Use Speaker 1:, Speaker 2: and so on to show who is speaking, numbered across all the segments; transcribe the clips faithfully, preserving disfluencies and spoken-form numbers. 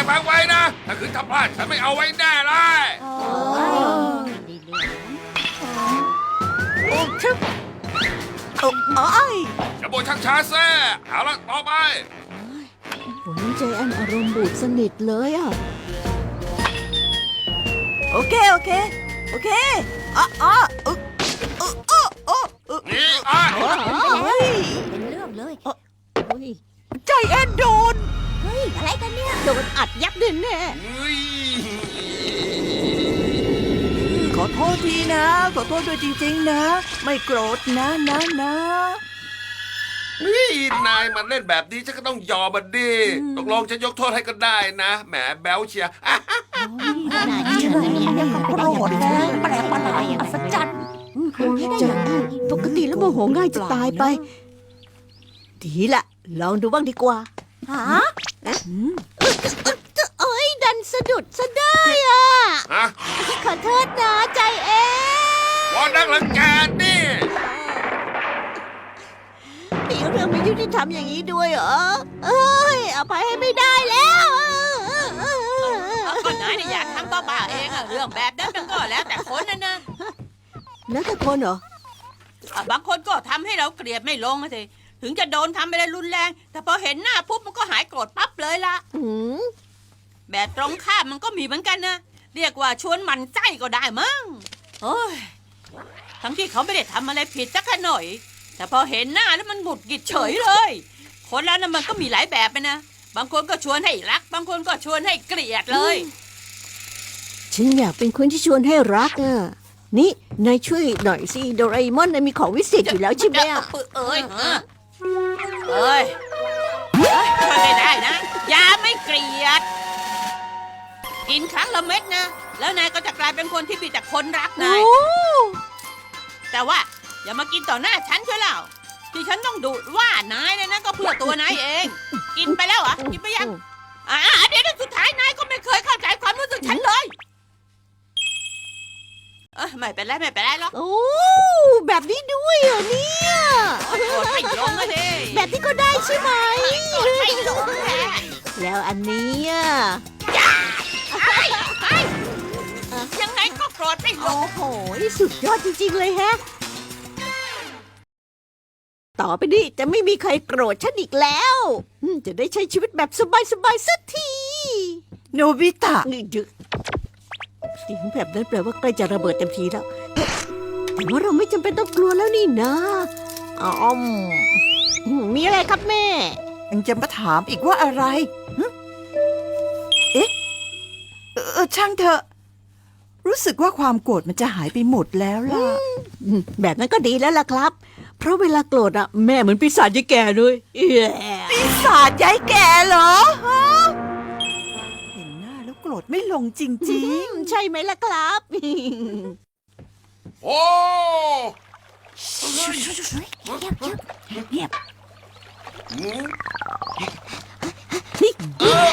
Speaker 1: ฟังไว้นะ ถ้าคืนทำพลาดฉันไม่เอาไว้แน่เลย
Speaker 2: โอ้ยดีเรื่อง
Speaker 3: โอ้ชึบโอ้โอ้ย
Speaker 1: จะโบยชักช้าแซ่เอาละต่อไป
Speaker 4: วันนี้ใจแอนอารมณ์บูดสนิทเลยอ่ะ
Speaker 3: โอเค โอเค โอเคอ๋ออ๋ออึ๊กอึ๊กอึ๊กอึ๊กอึ๊ก
Speaker 1: นี่อ่ะ
Speaker 3: เฮ้ย
Speaker 2: เป็นเรื่องเลย
Speaker 4: เฮ้ย
Speaker 3: ใจแอนโดน
Speaker 2: เฮ้ยอะไรกันเนี่ย
Speaker 4: โดนอัดยับแน่แน่
Speaker 1: เฮ้ย
Speaker 3: ขอโทษทีนะ ขอโทษด้วยจริงๆนะ ไม่โกรธนะนะนะ
Speaker 1: นี่นายมันเล่นแบบนี้ฉันก็ต้องยอมมันดิตกลงฉันยกโทษให้ก็ได้นะแหมแบ๊วเชียร์อ่ะ
Speaker 2: น่าเชื่อนะเนี่ย
Speaker 3: ยังกับโกรธนะแปลกประหลาด
Speaker 2: อัศจรรย์
Speaker 4: โอ้ยใจปกติแล้วโมโหง่ายจะตายไป ดีละ ลองดูบ้างดีกว่า
Speaker 2: ฮะ
Speaker 4: เอ้ย ดันสะดุดซะได้อ่ะ
Speaker 1: ฮะ
Speaker 4: ขอโทษนะใจเอง
Speaker 1: วอนนักลังแกนี่
Speaker 4: มีเรื่องไม่ยุติธรรมอย่างนี้ด้วยเหรอ เอ้ยอภัยให้ไม่ได้แล้ว
Speaker 5: ก็นายเนี่ยอยากทำก็บ้าเองอะเรื่องแบบนั้นมันก็แล้วแต่คนนะนะ
Speaker 4: แล้วแต่คนเหรอ
Speaker 5: อ่ะบางคนก็ทำให้เราเกลียดไม่ลงอะสิถึงจะโดนทำอะไรรุนแรง แต่พอเห็นหน้าปุ๊บมันก็หายโกรธปั๊บเลยละ
Speaker 4: อืม
Speaker 5: แบบตรงข้ามมันก็มีเหมือนกันนะเรียกว่าชวนหมันไส้ก็ได้มั้งโอ้ยทั้งที่เขาไม่ได้ทำอะไรผิดสักหน่อย แต่พอเห็นหน้าแล้วมันหงุดหงิดเฉยเลย คนแล้วนะมันก็มีหลายแบบไปนะบางคนก็ชวนให้รัก บางคนก็ชวนให้เกลียดเลย
Speaker 4: ฉันอยากเป็นคนที่ชวนให้รักอ่ะ นี่ นายช่วยหน่อยสิโดราเอมอนนายมีของวิเศษอยู่แล้วใช่ไหมอ่ะ
Speaker 5: เอ้ยฮะเอ้ยเอ้ยช่วยไม่ได้นะยาไม่เกลียด กินครั้งละเม็ดนะ แล้วนายก็จะกลายเป็นคนที่มีแต่คนรักนาย
Speaker 4: โอ้
Speaker 5: แต่ว่าอย่ามากินต่อหน้าฉันเชียวแล้วที่ฉันต้องดุว่านายเนี่ยนะก็เพื่อตัวนายเอง กินไปแล้วเหรอ่ะกินไปยังอ่าเดี๋ยวสุดท้ายนายก็ไม่เคยเข้าใจความรู้สึกฉันเลยเอ้ยไม่เป็นไรไม่เป็นไรหรอก
Speaker 4: โอ้ แบบนี้ด้วยเหรอเนี่ย
Speaker 5: โกรธไม่ลงอะดิ
Speaker 4: แบบนี้ก็ได้ใช่ไหม
Speaker 5: โกรธไม่ลงแท้
Speaker 4: แล้วอันนี้อ่ะ
Speaker 5: ยังไงก็โกรธไม่ล
Speaker 4: โอ้
Speaker 5: ง
Speaker 4: โห สุดยอดจริงๆเลยแฮะ ต่อไปนี้จะไม่มีใครโกรธฉันอีกแล้วอืมจะได้ใช้ชีวิตแบบสบายๆสักที
Speaker 3: โนบิตะ
Speaker 4: นี่ดึกเสียงแบบนั้นแปลว่าใกล้จะระเบิดเต็มทีแล้ว แต่ว่าเราไม่จำเป็นต้องกลัวแล้วนี่นะอ๋อมอืมมีอะไรครับแม่
Speaker 3: ยังจะมาถามอีกว่าอะไรหึเอ๊ะเออเออช่างเถอะ รู้สึกว่าความโกรธมันจะหายไปหมดแล้วล่ะ
Speaker 4: อืมแบบนั้นก็ดีแล้วล่ะครับ เพราะเวลาโกรธอะแม่เหมือนปีศาจยายแก่เลยเอี้ย
Speaker 3: ปีศาจยายแก่เหรอฮะเห็นหน้าแล้วโกรธไม่ลงจริง
Speaker 4: อืมใช่ไหมล่ะครับ
Speaker 1: โอ้
Speaker 2: เงียบเงียบ
Speaker 1: หืม
Speaker 4: นี่
Speaker 1: เออ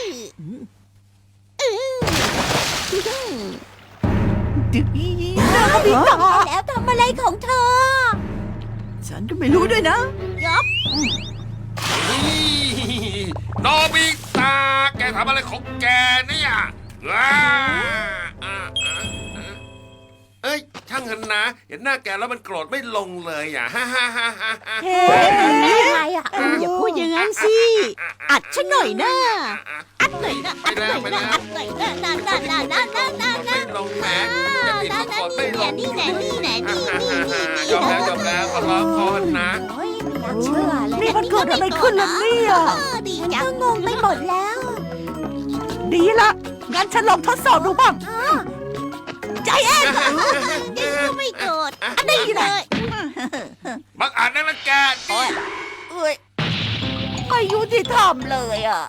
Speaker 3: ๆดึกอี
Speaker 2: โนบิตะแล้วทำอะไรของเธอ
Speaker 3: ฉันก็ไม่รู้ด้วยนะ
Speaker 2: ยับ
Speaker 1: นี่โนบิตะแกทำอะไรของแกเนี่ยว้าอ่ะอ่ะอ่ะเอ้ย ช่างเถอะนะ เห็นหน้าแกแล้วมันโกรธไม่ลงเลยอ่ะฮ่าฮ่าฮ่าฮ่าฮ่า
Speaker 4: เฮ้
Speaker 2: อะไรอ่ะ
Speaker 4: อย่าพูดอย่างนั้นสิ อัดฉันหน่อยนะ อัดหน่อยนะ
Speaker 1: ไปแล้วไปแล้ว
Speaker 4: อัดหน่อยนะน่าน่าน่าน่าน่าน่าน่า
Speaker 1: ไม่ลงแหมจะติดก็กดไม่ลง
Speaker 4: นี่แหละนี่แหละนี่นี่นี่นี่
Speaker 1: ยอมแล้วยอมแล้วขอร้องพรนะ
Speaker 2: โอ้ยไม่น่าเชื่อเลย
Speaker 3: นี่มันเกิดอะไรขึ้นล่ะเนี่ย
Speaker 4: ดี
Speaker 2: ฉัน
Speaker 4: จัง
Speaker 2: ก็งงไปหมดแล้ว
Speaker 3: ดีละงั้นฉันลองทดสอบดูบ้าง
Speaker 4: ใจเอ็นนี่ก็ไม่โกรธอันนี้เลย
Speaker 1: บังอาจนักละแกนี่
Speaker 3: เอ้ยไม่ยุติธรรมเลยอ่ะ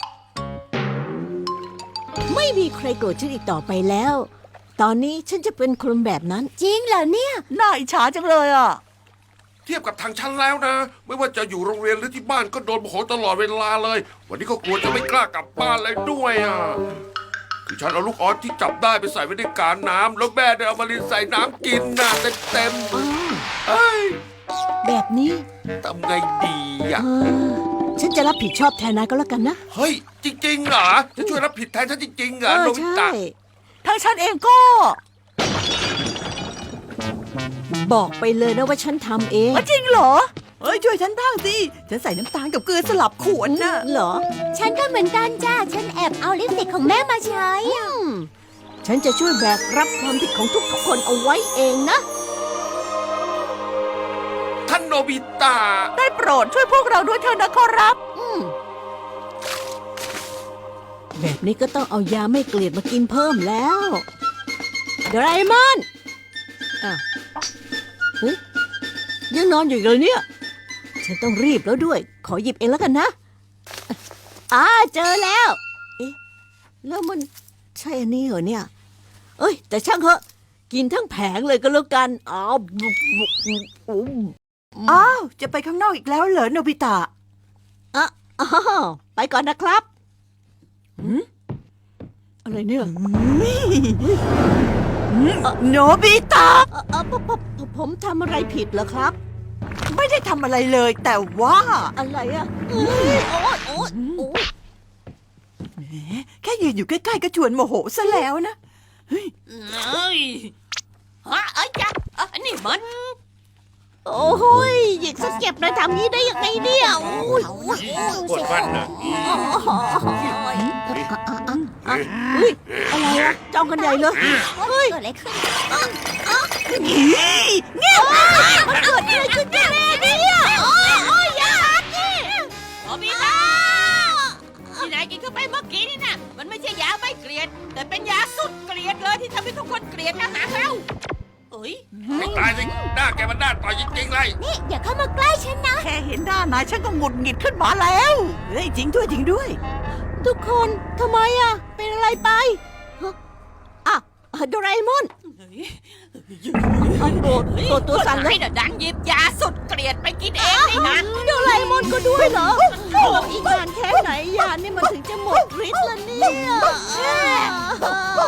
Speaker 4: ไม่มีใครโกรธฉันอีกต่อไปแล้ว ตอนนี้ฉันจะเป็นคนแบบนั้น
Speaker 2: จริงเหรอเนี่ย
Speaker 3: น่าอิจฉาจังเลยอ่ะ
Speaker 1: เทียบกับทางฉันแล้วนะ ไม่ว่าจะอยู่โรงเรียนหรือที่บ้านก็โดนโมโหตลอดเวลาเลย วันนี้ก็กลัวจะไม่กล้ากลับบ้านเลยด้วยอ่ะคือฉันเอาลูกออสที่จับได้ไปใส่ไว้ในกาน้ำแล้วแม่ได้เอามาลินใส่น้ำกินน่ะเต็มเต็มๆเอ้ย
Speaker 4: แบบนี้
Speaker 1: ทำไงดีอ่ะ
Speaker 4: เออฉันจะรับผิดชอบแทนนายก็แล้วกันนะ
Speaker 1: เฮ้ย จริงๆเหรอ จะช่วยรับผิดแทนฉันจริงๆเหร
Speaker 4: เอ
Speaker 1: อ
Speaker 4: อ
Speaker 1: โนบิ
Speaker 4: ใช่
Speaker 1: ตะ
Speaker 3: ทั้งฉันเองก็
Speaker 4: บอกไปเลยนะว่าฉันทำเอง
Speaker 3: จริงเหรอเอ้ยช่วยฉันบ้างสิฉันใส่น้ำตาลกับเกลือสลับขวดน่ะ
Speaker 4: เหรอ
Speaker 2: ฉันก็เหมือนกันจ้า ฉันแอบเอาลิปสติกของแม่มาใช้
Speaker 4: อืมฉันจะช่วยแบกรับความผิดของทุกๆคนเอาไว้เองนะ
Speaker 1: ท่านโนบิตะ
Speaker 3: ได้โปรดช่วยพวกเราด้วยเถอะนะขอรับ
Speaker 4: อืมแบบนี้ก็ต้องเอายาไม่เกลียดมากินเพิ่มแล้วโดราเอมอนอ้าวเฮ้ยยังนอนอยู่อีกเลยเนี่ย ฉันต้องรีบแล้วด้วย ขอหยิบเองแล้วกันนะอ่าเจอแล้ว เอ๊ะ แล้วมันใช่อันนี้เหรอเนี่ย เอ้ย แต่ช่างเถอะ กินทั้งแผงเลยก็แล้วกันอ้าวบุบบุบบุบ
Speaker 3: อ้าว จะไปข้างนอกอีกแล้วเหรอโนบิตะ
Speaker 4: อ่ะอ้าวไปก่อนนะครับหืมอะไรเนี่ย
Speaker 3: โนบิตะ
Speaker 4: เอ่อเอ่อผมผมผมทำอะไรผิดเหรอครับ
Speaker 3: ไม่ได้ทำอะไรเลย แต่ว่า
Speaker 4: อะไรอ่ะเอ้ยโอ๊ยโอ๊ยโอ๊ย
Speaker 3: แค่ยืนอยู่ใกล้ๆก็ชวนโมโหซะแล้วนะ
Speaker 5: เอ้ยฮะเอ้ยจ้ะอ่ะนี่มัน
Speaker 4: โอ้โหยหยิกซะเจ็บเลยทำงี้ได้ยังไงเนี่ยโอ้ยโอ้ย
Speaker 1: ปวดฟันนะ
Speaker 4: เฮ้ยอะไรวะจ้องกันใหญ่เลย
Speaker 2: เฮ้ยเกิดอะไรขึ้น
Speaker 4: มันเกิดอะไรขึ้นแน่เนี่ยโอ้ยโอ้ยอยานี่
Speaker 5: โนบิตะที่นายกินเข้าไปเมื่อกี้นี่นะมันไม่ใช่ยาไม่เกลียด แต่เป็นยาสุดเกลียดเลยที่ทำให้ทุกคนเกลียดทหารเราเอ้ย
Speaker 1: ไม่ตายสิหน้าแกมันหน้าต่อยจริงๆเลย
Speaker 2: นี่อย่าเข้ามาใกล้ฉันนะ
Speaker 3: แค่เห็นหน้านายฉันก็หงุดหงิดขึ้นมาแล้วเฮ้ยจริงด้วยจริงด้วย
Speaker 4: ทุกคนทำไมอ่ะ เป็นอะไรไปฮะอ่ะโดราเอมอน
Speaker 5: เฮ้ย
Speaker 4: ไอ้โกรธโกรธตัวสั่นเลย
Speaker 5: ให้น่ะดันหยิบยาสุดเกลียดไปกินเองนี่นะ
Speaker 4: โดราเอมอนก็ด้วยเหรอโอ้อีกนานแค่ไหนยานี่มันถึงจะหมดฤทธิ์ละเนี่ย